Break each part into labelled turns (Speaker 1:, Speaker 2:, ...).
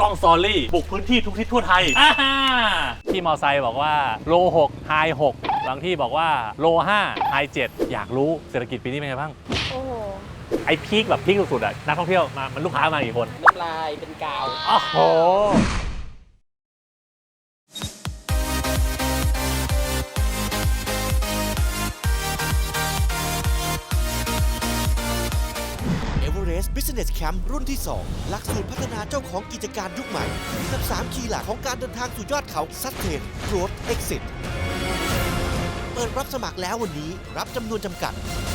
Speaker 1: ล้องซอรี่บุกพื้นที่ทุกที่ทั่วไทยที่มอไซค์บอกว่าโล6ไฮ6บางที่บอกว่าโล5ไฮ7อยากรู้เศรษฐกิจปีนี้เป็นไงบ้าง
Speaker 2: โอ้โห
Speaker 1: ไอพีคแบบพีคสุดๆอ่ะนักท่องเที่ยวมามันลูกค้ามากี่คน
Speaker 3: น้ำลายเป็นกาว
Speaker 1: โอ้โห
Speaker 4: Business Camp รุ่นที่ 2 หลักสูตรพัฒนาเจ้าของกิจการยุคใหม่กับ3คีย์หลักของการเดินทางสู่ยอดเขา Sustain Growth Exit เปิดรับสมัครแล้ววันนี้รับจำนวนจำกัด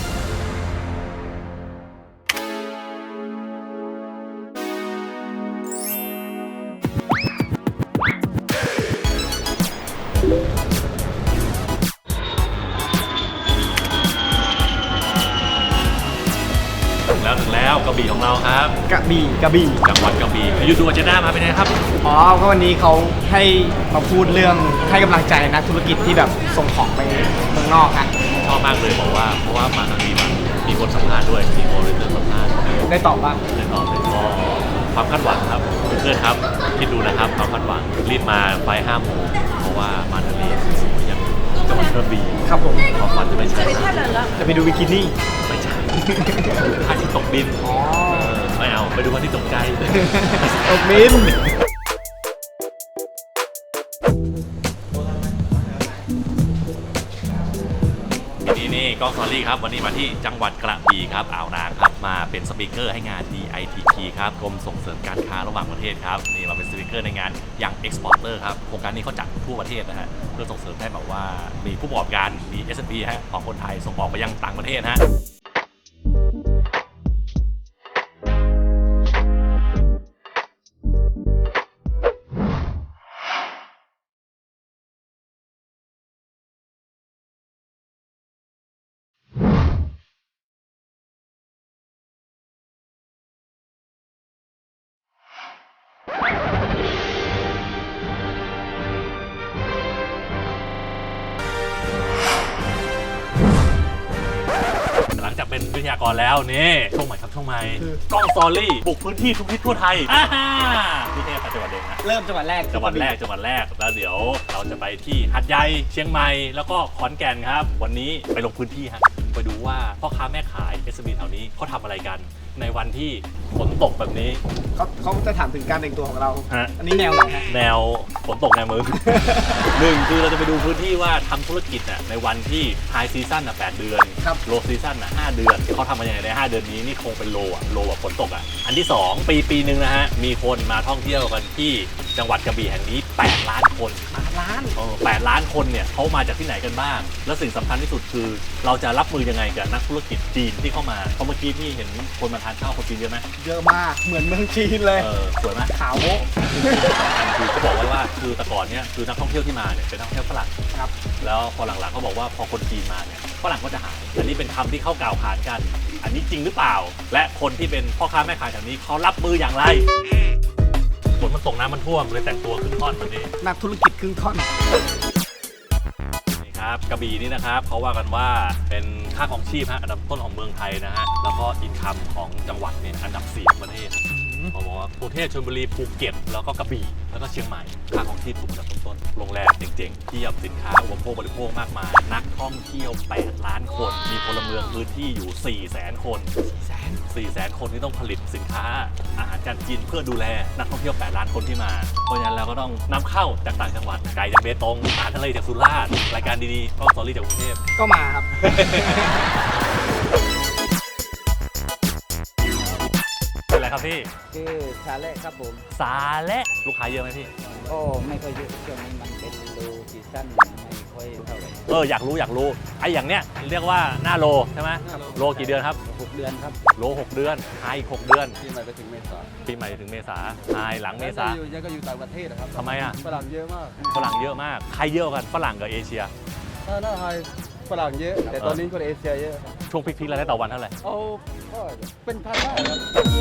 Speaker 1: ถึงแล้วกระบี่ของเราครับ
Speaker 5: กระบี่
Speaker 1: จังหวัดกระบี่ยูดูอาเจนด้ามาเป็นไงครับ
Speaker 5: อ๋อก็วันนี้เขาให้มาพูดเรื่องให้กำลังใจนักธุรกิจที่แบบส่งของไปเมืองนอกฮะ
Speaker 1: ชอบมากเลยบอกว่าเพราะว่ามาทางนี้มีคนสัมภาษณ์ด้วยมีโมเดลเตอร์สัมภาษณ์
Speaker 5: ได้ตอบบ้าง
Speaker 1: ได้ตอบเลยก็ความคาดหวังครับเพื่อนครับคิดดูนะครับความคาดหวังรีบมาไฟ5 โมงเพราะว่ามาทะเลสวยอย่างจังหวัดกระบี่
Speaker 5: ครับผม
Speaker 1: ความฝันจะไม่ใช่
Speaker 5: จะไปดูบิกินี่
Speaker 1: ไม่ใช่พระอาทิตย์ตกดินไม่เอาไปดูพระอาทิตย์ตกใจ
Speaker 5: ตกดิน
Speaker 1: นี่กล้องซอรี่ครับวันนี้มาที่จังหวัดกระบี่ครับอ่าวนางครับมาเป็นสปีกเกอร์ให้งาน DITP ครับกรมส่งเสริมการค้าระหว่างประเทศครับนี่มาเป็นสปีกเกอร์ในงานอย่าง Exporter ครับโครงการนี้เขาจัดทั่วประเทศนะฮะเพื่อส่งเสริมให้แบบว่ามีผู้ประกอบการมี SME ฮะของคนไทยส่งออกไปยังต่างประเทศฮะเป็นวิทยากรแล้วนี่ช่วงใหม่ครับช่วงใหม่กล้องซอรี่บุกพื้นที่ทุกที่ทั่วไทยที่นี่ไปจังหวัดเดิมนะ
Speaker 5: เริ่มจังหวัดแรก
Speaker 1: แล้วเดี๋ยวเราจะไปที่หาดใหญ่เชียงใหม่แล้วก็ขอนแก่นครับวันนี้ไปลงพื้นที่ฮะไปดูว่าพ่อค้าแม่ขาย SME แถวนี้เขาทำอะไรกันในวันที่ฝนตกแบบนี้
Speaker 5: เขาจะถามถึงการแต่งตัวของเราอันนี้แนวไหนฮะ
Speaker 1: แนวฝนตกแนวมือหนึ่งคือเราจะไปดูพื้นที่ว่าทำธุรกิจในวันที่ไฮซีซั่น8 เดือนโลซีซั่น5 เดือนเขาทำมาอย่างไรใน5 เดือนนี้นี่คงเป็นโลแบบฝนตกอันที่2ปีนึงนะฮะมีคนมาท่องเที่ยวกันที่จังหวัดกระบี่แห่งนี้8 ล้านคน8 ล้านคนเนี่ยเขามาจากที่ไหนกันบ้างและสิ่งสำคัญที่สุดคือเราจะรับมือยังไงกับนักธุรกิจจีนที่เข้ามาเพราะเมื่อกี้พี่เห็นคนมาทานข้าวคนจีนเยอะไหม
Speaker 5: เยอะมากเหมือนเมืองจีนเลย
Speaker 1: สวยไหม
Speaker 5: ขาวโบ๊ะ
Speaker 1: คือเขาบอกไว้ว่าคือแต่ก่อนเนี่ยคือนักท่องเที่ยวที่มาเนี่ยเป็นนักท่องเที่ยวฝรั่งครับแล้วพอหลังๆเขาบอกว่าพอคนจีนมาเนี่ยฝรั่งก็จะหายอันนี้เป็นคำที่เขากล่าวขานกันอันนี้จริงหรือเปล่าและคนที่เป็นพ่อค้าแม่ขายแถวนี้เขารับมืออย่างไรฝนมันตกน้ำมันท่วมเลยแต่งตัวครึ่งท่อนแบบนี้
Speaker 5: นักธุรกิจครึ่งท่อน
Speaker 1: ครับกระบี่นี่นะครับเขาว่ากันว่าเป็นค่าครองชีพอันดับต้นของเมืองไทยนะฮะแล้วก็อินคัมของจังหวัดเนี่ยอันดับ4ของประเทศเขาบอกว่ากรุงเทพชลบุรีภูเก็ตแล้วก็กระบี่แล้วก็เชียงใหม่ค่าครองชีพถูกอันดับต้นโรงแรมเจ๋งๆเทียบสินค้าอุปโภคบริโภคมากมายนักท่องเที่ยว8 ล้านคนมีพลเมืองพื้นที่อยู่400,000 คน400,000 คนที่ต้องผลิตสินค้าอาหารการกินเพื่อดูแลนักท่องเที่ยว8 ล้านคนที่มาเพราะฉะนั้นเราก็ต้องนำเข้าจากต่างจังหวัดไก่จากเบตงอาหารทะเลจากสุราษฎร์รายการดีๆก็สตอรี่จากกรุงเทพ
Speaker 5: ก็มาครับ
Speaker 1: เป็นอะไรครับพี่
Speaker 3: ชื่อซาเล่ครับผม
Speaker 1: ซาเล่ลูกค้าเยอะไหมพี่
Speaker 3: โอ้ไม่ค่อยเยอะช่วงนี้มันเป็นโลซีซั่นไม่ค่อยเท่าไหร่
Speaker 1: อยากรู้ไอ้อย่างเนี้ยเรียกว่าหน้าโลใช่ไหมโลกี่เดือนครับ
Speaker 3: 6 เดือนครับ
Speaker 1: โล6 เดือนไฮอีก6 เดือน
Speaker 3: ปีใหม่ไปถึงเมษา
Speaker 1: ไฮหลังเมษา
Speaker 3: ยังก็อยู่ต่างประเทศนะครับ
Speaker 1: ทำไม
Speaker 3: ฝรั่งเยอะมาก
Speaker 1: ใครเยอะกันฝรั่งกับเอเชีย
Speaker 3: หน้าไฮฝรั่งเยอะแต่ตอนนี้คนเอเชียเยอะ
Speaker 1: ช่วงพีคๆแล้วได้ต่อวันเท่าไหร่
Speaker 3: ก็เป็นพันได้ครับ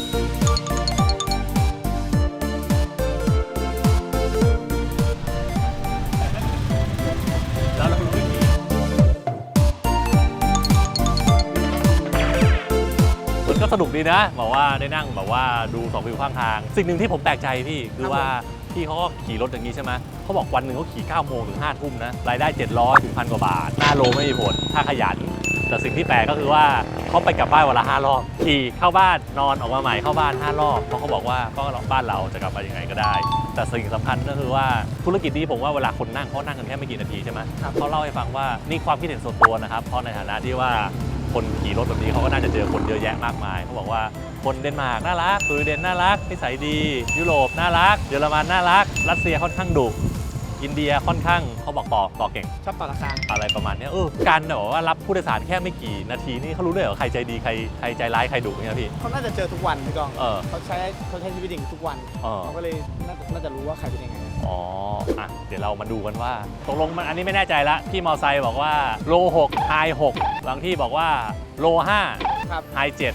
Speaker 1: แล้วเรารู้วิธีมันก็สนุกดีนะบอกว่าได้นั่งแบบว่าดู2 วิวข้างทาง สิ่งหนึ่งที่ผมแปลกใจพี่คือว่าพี่เขาก็ขี่รถอย่างนี้ใช่ไหมเขาบอกวันหนึ่งเขาขี่9 โมงถึง5 ทุ่มนะรายได้700 ถึง 1,000 กว่าบาทหน้าโลไม่มีผลถ้าขยันแต่สิ่งที่แปลกก็คือว่าเขาไปกลับบ้านวันละ5 รอบขี่เข้าบ้านนอนออกมาใหม่เข้าบ้าน5 รอบเพราะเขาบอกว่าก็บ้านเราจะกลับมายังไงก็ได้ แต่สิ่งสำคัญก็คือว่าธุรกิจนี้ผมว่าเวลาคนนั่งเขานั่งกันแค่ไม่กี่นาทีใช่ไหมเขาเล่าให้ฟังว่านี่ความคิดเห็นส่วนตัวนะครับเพราะในฐานะที่ว่าคนขี่รถแบบนี้เขาก็น่าจะเจอคนเยอะแยะมากมายเขาบอกว่าคนเดนมาร์กน่ารักสวีเดนน่ารักนิสัยดียุโรปน่ารักเยอรมันน่ารักรัสเซียค่อนข้างดุอินเดียค่อนข้างเขาบอกต่อเก่ง
Speaker 5: ชอบต่อราคา
Speaker 1: อะไรประมาณเนี้ยการแบบว่ารับผู้โดยสารแค่ไม่กี่นาทีนี่เขารู้ด้วยเหรอใครใจดีใครใจร้ายใครดุเนี่ยพี่
Speaker 5: เขาน่าจะเจอทุกวันพี่กอง เขาใช้ชีวิตอย่างนี้ทุกวัน เขาก็เลยน่าจะรู้ว่าใครเป็นยังไง
Speaker 1: อ๋ออ่ะเดี๋ยวเรามาดูกันว่าตกลงมันอันนี้ไม่แน่ใจละพี่มอไซค์บอกว่าโล6ไฮ6บางที่บอกว่าโล5
Speaker 5: ครับ
Speaker 1: ไฮ7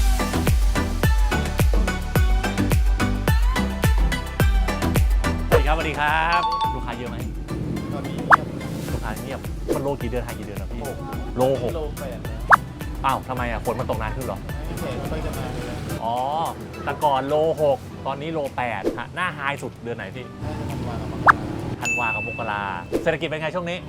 Speaker 1: สวัสดีครับลูกค้าเยอะไหม
Speaker 5: ตอนนี้
Speaker 1: ลูกค้าเงียบมันโลกี่เดือนไฮกี่เดือนนะพี่โล
Speaker 5: โล
Speaker 1: 6
Speaker 5: แปดแล้ว
Speaker 1: อ้าวทำไมอ่ะฝนมันตกนานขึ้นเหรอ
Speaker 5: พี่เขตไม่ค่อยจะมาเลย
Speaker 1: อ๋อแต่ก่อนโล6ตอนนี้โล8ฮะหน้าไฮสุดเดือนไหนพี่
Speaker 5: น่าจะวันกับ
Speaker 1: ธันวากับมกราเศรษฐกิจเป็นไงช่วงนี้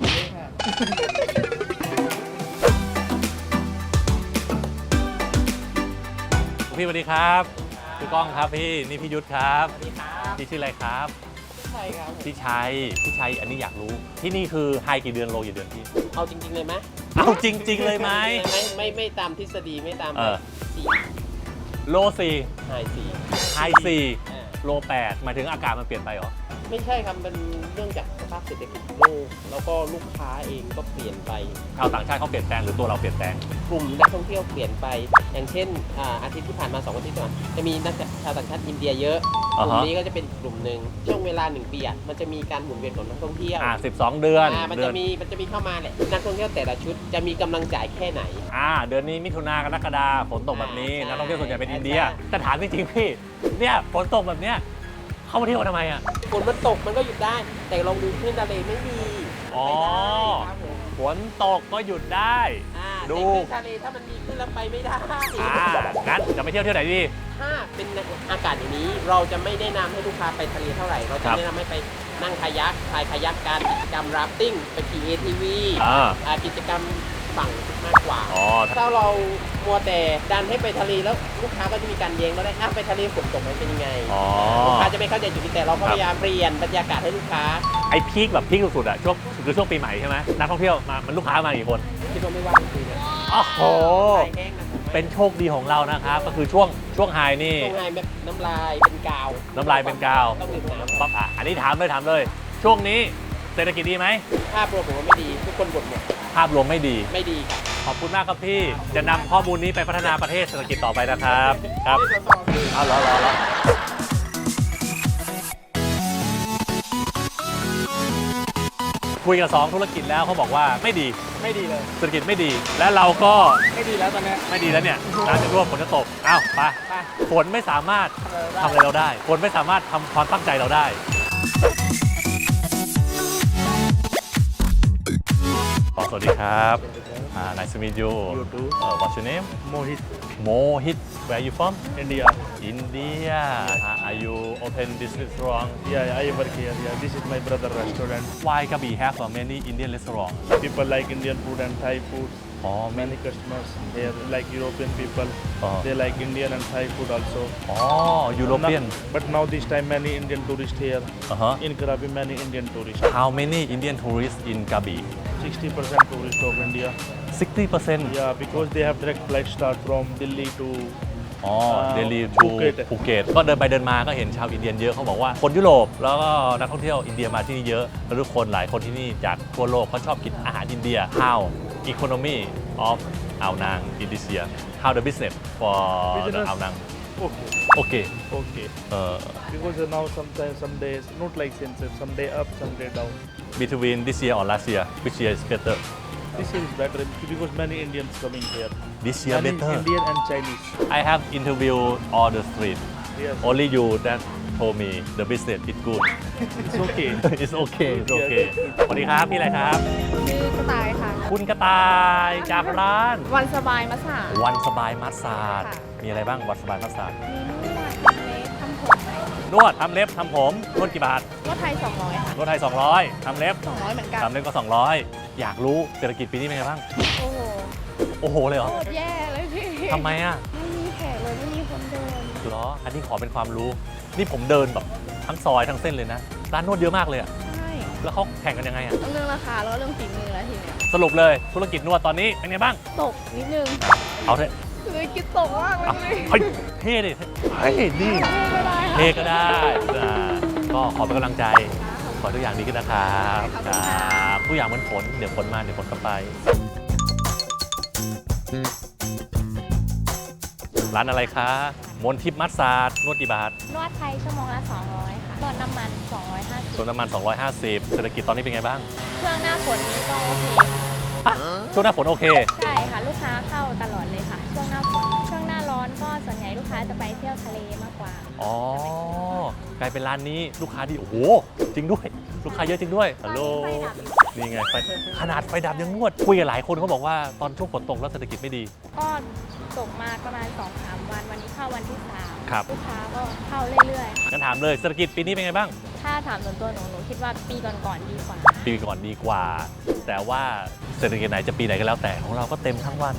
Speaker 1: พี่สวัสดีครับพี่ก้องครับพี่นี่พี่ยุทธครับ
Speaker 5: สวัสดีครับ
Speaker 1: พี่ชื่ออะไรครับ
Speaker 5: ใช่ครับ
Speaker 1: พี่ชัยอันนี้อยากรู้ที่นี่คือไฮกี่เดือนโลกี่เดือนพี่
Speaker 2: เอาจริง ๆ เลยไหม
Speaker 1: เอาจริง ๆ เลยไหม
Speaker 2: ไม่ตามทฤษฎีไม่ตาม สี่
Speaker 1: โล4
Speaker 2: หายสี่
Speaker 1: ไฮ4โล8หมายถึงอากาศมันเปลี่ยนไปเหรอ
Speaker 2: ไม่ใช่ครับมันเรื่องจากสภาพเศรษฐกิจโลกแล้วก็ลูกค้าเองก็เปลี่ยนไป
Speaker 1: ชาวต่างชาติเขาเปลี่ยนแปลงหรือตัวเราเปลี่ยนแปลง
Speaker 2: กลุ่มนักท่องเที่ยวเปลี่ยนไป อย่างเช่นอาทิตย์ที่ผ่านมา2 อาทิตย์ก่อนจะมีนักชาวต่างชาติอินเดียเยอะก
Speaker 1: อ่า
Speaker 2: ลุ่
Speaker 1: ฮะ
Speaker 2: มนี้ก็จะเป็นกลุ่มหนึ่งช่วงเวลา1 ปีมันจะมีการหมุนเวียนของนักท่องเที่ยว
Speaker 1: 12 เดือน
Speaker 2: มันจะมีเข้ามาแหละนักท่องเที่ยวแต่ละชุดจะมีกำลังจ่ายแค่ไหน
Speaker 1: เดือนนี้มิถุนากรกฎาฝนตกแบบนี้
Speaker 2: ใช่
Speaker 1: นักท่องเที่ยวส่วนใหญ่เป็นอินเดีย
Speaker 2: ใช่
Speaker 1: แต่ถามจริงๆพี่เนี่ยฝนตกแบบเนี้ยเข้ามาเที่ยวทำไมอ่ะ
Speaker 2: ฝนมันตกมันก็หยุดได้ แต่ลองดูคลื่นทะเลไม่มี
Speaker 1: อ๋อ
Speaker 2: ไม่ได้ครับผม
Speaker 1: ฝนตกก็หยุดได้ ดู
Speaker 2: แต่คลื่นทะเลถ้ามันมีขึ้นแล้วไปไม่ได้
Speaker 1: งั้นจะไปเที่ยวที่ไหนดี
Speaker 2: ถ้าเป็นอากาศอย่างนี้เราจะไม่แนะนำให้ลูกค้าไปทะเลเท่าไหร่ เรา
Speaker 1: ค
Speaker 2: จะ
Speaker 1: รับ
Speaker 2: แนะนำให้ไปนั่งคายักพายคายักการกิจกรรมราฟติ้งไปขี่ ATV กิจกรรมฝั่งมากกว่า
Speaker 1: อ๋อ
Speaker 2: ถ้าเรามัวแต่ดันให้ไปทะเลแล้วลูกค้าก็จะมีการแย้งแล้วได้ไปทะเลฝนตกมันเป็นยังไง
Speaker 1: อ๋อ
Speaker 2: ลูกค้าจะไม่เข้าใจจุดนี้แต่เราก็
Speaker 1: ครับ
Speaker 2: พยายามเปลี่ยนบรรยากาศให้ลูกค้า
Speaker 1: ไอ้พีคแบบพีคสุดๆอะช่วงปีใหม่ใช่ไหมนักท่องเที่ยวมามันลูกค้ามากี่คน
Speaker 2: คิดว่าไม่ว่างจริงๆนะ
Speaker 1: โอ้โห
Speaker 2: ไปแห้งนะผมว่า
Speaker 1: เป็นโชคดีของเรานะครับ ก็คือช่วงไฮนี่
Speaker 2: ตรงไงแบบน้ำลายเป็นกาว
Speaker 1: น้ำลายเป็นกาว
Speaker 2: ต้องดื่มน้ำ
Speaker 1: ปั๊บอันนี้ถามเลย ช่วงนี้เศรษฐกิจดีไหม
Speaker 2: ภาพรวมผมว่าไม่ดีทุกคนบ่นหมด
Speaker 1: ภาพรวมไม่ดี
Speaker 2: ไม่ดีครับ
Speaker 1: ขอบคุณมากครับพี่ จะนำข้อมูลนี้ไปพัฒนาประเทศเศรษฐกิจต่อไปนะครับ ครับเอารอคุยกับ2ธุรกิจแล้วเขาบอกว่าไม่ดี
Speaker 5: ไม่ดีเลย
Speaker 1: เศรษฐกิจไม่ดี และเราก็
Speaker 5: ไม่ดีแล้วตอนเนี้ย
Speaker 1: ไม่ดีแล้วเนี่ยน้ำจะรั่วฝนจะตกอ้าวไป
Speaker 5: ไป
Speaker 1: ฝนไม่สามารถทำอะไรเราได้ฝนไม่สามารถทำความตั้งใจเราได้สวัสดีครับ nice to meet you
Speaker 6: You too.
Speaker 1: what's your name
Speaker 6: Mohit,
Speaker 1: Mohit where are you from
Speaker 6: India.
Speaker 1: India are you open this restaurant
Speaker 6: Yeah, I work here. Yeah, this is my brother restaurant.
Speaker 1: why Krabi have many Indian restaurant
Speaker 6: People like Indian food and Thai food.
Speaker 1: oh
Speaker 6: Many customers here, like European people,
Speaker 1: Uh-huh.
Speaker 6: they like Indian and Thai food also.
Speaker 1: oh European
Speaker 6: But now this time many Indian tourists here.
Speaker 1: uh-huh
Speaker 6: In Krabi, many Indian tourists.
Speaker 1: how many Indian tourists in Krabi
Speaker 6: 60% tourists of India.
Speaker 1: 60%
Speaker 6: Yeah, because they have direct flight start from Delhi to
Speaker 1: อ๋อ เดลี
Speaker 6: ภู
Speaker 1: ทู
Speaker 6: เก็ต
Speaker 1: ภูเก็ตก็เดินไปเดินมาก็เห็นชาวอินเดียนเยอะเขาบอกว่าคนยุโรปแล้วก็นักท่องเที่ยวอินเดียมาที่นี่เยอะแล้วทุกคนหลายคนที่นี่จากทั่วโลกเขาชอบกินอาหารอินเดีย How economy of อ่าวนางอินเดีย How the business for the
Speaker 6: Business
Speaker 1: อ่าวนาง
Speaker 6: okay.
Speaker 1: โอเค
Speaker 6: Okay.
Speaker 1: เอ่อ
Speaker 6: Because now sometimes some days not like census, some day up, some day down.
Speaker 1: between this year or last year which year is better
Speaker 6: This year is better because many Indians coming here.
Speaker 1: this year
Speaker 6: Many
Speaker 1: better
Speaker 6: Indian and Chinese.
Speaker 1: I have interviewed all the street
Speaker 6: Yes.
Speaker 1: only you that told me the business is good
Speaker 6: It's okay.
Speaker 1: it's okay it's okay สวัสดีครับพี่อะไรครับ
Speaker 7: ชื่อกระต่ายค่ะ
Speaker 1: คุณกระต่ายจากร้าน
Speaker 7: วันสบายมาสา
Speaker 1: วันสบายมัสซาด
Speaker 7: ค่ะ
Speaker 1: มีอะไรบ้างวัดสบายมัสซาจ
Speaker 7: มีนวดทำเล็บทำผม
Speaker 1: นวดทำเล็บทำผมนวดกี่บาท
Speaker 7: นวดไทย200ค่ะ
Speaker 1: นวดไทย200ทำเล็บ
Speaker 7: 200เหมือนกัน
Speaker 1: ทำเล็บก็200อยากรู้เศรษฐกิจปีนี้เป็นไงบ้าง
Speaker 7: โอ้โห
Speaker 1: โอ้โหเลยเหรอ
Speaker 7: โคตรแย่เลยพี่
Speaker 1: ทำไมอ่ะ
Speaker 7: ไม่มีแขกเลยไม่มีคนเดิน
Speaker 1: เหรออันนี้ขอเป็นความรู้นี่ผมเดินแบบทั้งซอยทั้งเส้นเลยนะร้านนวดเยอะมากเลยอ่ะ
Speaker 7: ใช่
Speaker 1: แล้วเขาแข่งกันยังไงอ่ะ
Speaker 7: ต้องเรื่องราคาแล้วก็เรื่องฝีมือแล้วทีเนี้ย
Speaker 1: สรุปเลยธุรกิจนวดตอนนี้เป็นไงบ้าง
Speaker 7: ตกนิดนึง
Speaker 1: เอาเถอะ
Speaker 7: คือคิดตกมากเลย
Speaker 1: เอาเฮ้ยเท่ดิเฮ้ยนี่
Speaker 7: ไม่ได้ค่ะ
Speaker 1: เท่ก็ได้ก็ขอเป็นกำลังใจ ขอทุกอย่างดีขึ้นนะครับครับทุกอย่างเหมือนฝนเดี๋ยวฝนมาเดี๋ยวฝนก็ไป ร้านอะไรคะมนทิพย์มัสซาจนวดกี่บาท
Speaker 7: นวดไทยชั่วโมงละ200ค่ะนวดน้ำมัน250
Speaker 1: ส่วนน้ำมัน250เศรษฐกิจตอนนี้เป็นไงบ้าง
Speaker 7: ช่วงหน้าฝนนี้ก็โอเค
Speaker 1: อ่ะช่วงหน้าฝนโอเค
Speaker 7: ใช่ค่ะลูกค้าเข้าตลอดเลยค่ะ ช่วงหน้าฝนช่วงหน้าร้อนก็ส่วนใหญ่ลูกค้าจะไปเที่ยวทะเลมากกว่า
Speaker 1: อ๋อกลายเป็นร้านนี้ลูกค้าดีโอ้โหจริงด้วย ลูกค้าเยอะจริงด้วยฮัลโหล
Speaker 7: ไฟดับอยู่
Speaker 1: นี่ไงไฟขนาดไฟดับยังนวดคุยกับหลายคนเขาบอกว่าตอนช่วงฝนตกแล้วเศรษฐกิจไม่ดี
Speaker 7: ก็ตกมาประมาณ 2-3 วันวันนี้เข้าวันที่ 3
Speaker 1: ครับ
Speaker 7: ลูกค้าก็เข้าเรื่อย
Speaker 1: งั้นถามเลยเศรษฐกิจปีนี้เป็นไงบ้าง
Speaker 7: ๆ ถ้าถามส่วนตัวหนูคิดว่าปีก่อนๆดีกว่า
Speaker 1: ปีก่อนดีกว่า แต่ว่าเศรษฐกิจไหนจะปีไหนก็แล้วแต่ของเราก็เต็มทั้งวัน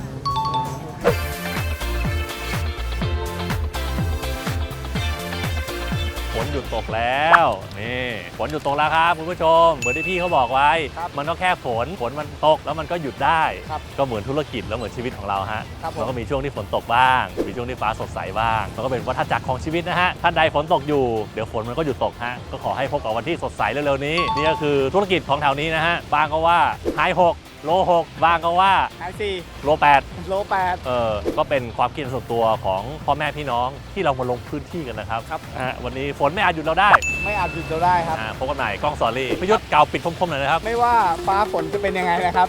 Speaker 1: ฝนหยุดตกแล้วนี่ฝนหยุดตกแล้วครับคุณผู้ชมเหมือนที่พี่เขาบอกไว้ มันก็แค่ฝนมันตกแล้วมันก็หยุดได้ ก็เหมือนธุรกิจแล้วเหมือนชีวิตของเราฮะมันก็มีช่วงที่ฝนตกบ้าง มีช่วงที่ฟ้าสดใสบ้างมันก็เป็นวัฏจักรของชีวิตนะฮะท่านใดฝนตกอยู่เดี๋ยวฝนมันก็หยุดตกฮะก็ขอให้พบกับวันที่สดใสเร็วๆนี้นี่ก็คือธุรกิจของแถวนี้นะฮะบางก็ว่าไฮ6โล6บางก็ว่า
Speaker 5: ไอ4
Speaker 1: โล8
Speaker 5: โล8
Speaker 1: ก็เป็นความคิดส่วนตัวของพ่อแม่พี่น้องที่เรามาลงพื้นที่กันนะครับ
Speaker 5: ครับ
Speaker 1: วันนี้ฝนไม่อาจหยุดเราได้
Speaker 5: ไม่อาจหยุดเราได้ครับ
Speaker 1: พบกันใหม่กล้องสอรี่พิยุทธ์เก่าปิดคมๆหน่อยนะครับ
Speaker 5: ไม่ว่าฟ้าฝนจะเป็นยังไงนะครับ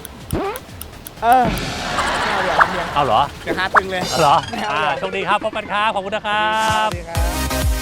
Speaker 5: ไม่เอาเดี๋ยวครับเดี๋ยว
Speaker 1: เอาเหรอ
Speaker 5: เดี๋ยวหาตึงเลย
Speaker 1: เหรอ
Speaker 5: ไม่เอาเลย
Speaker 1: โชคดีครับพบกันครับขอบคุณนะครับ
Speaker 5: สวัสดีครับ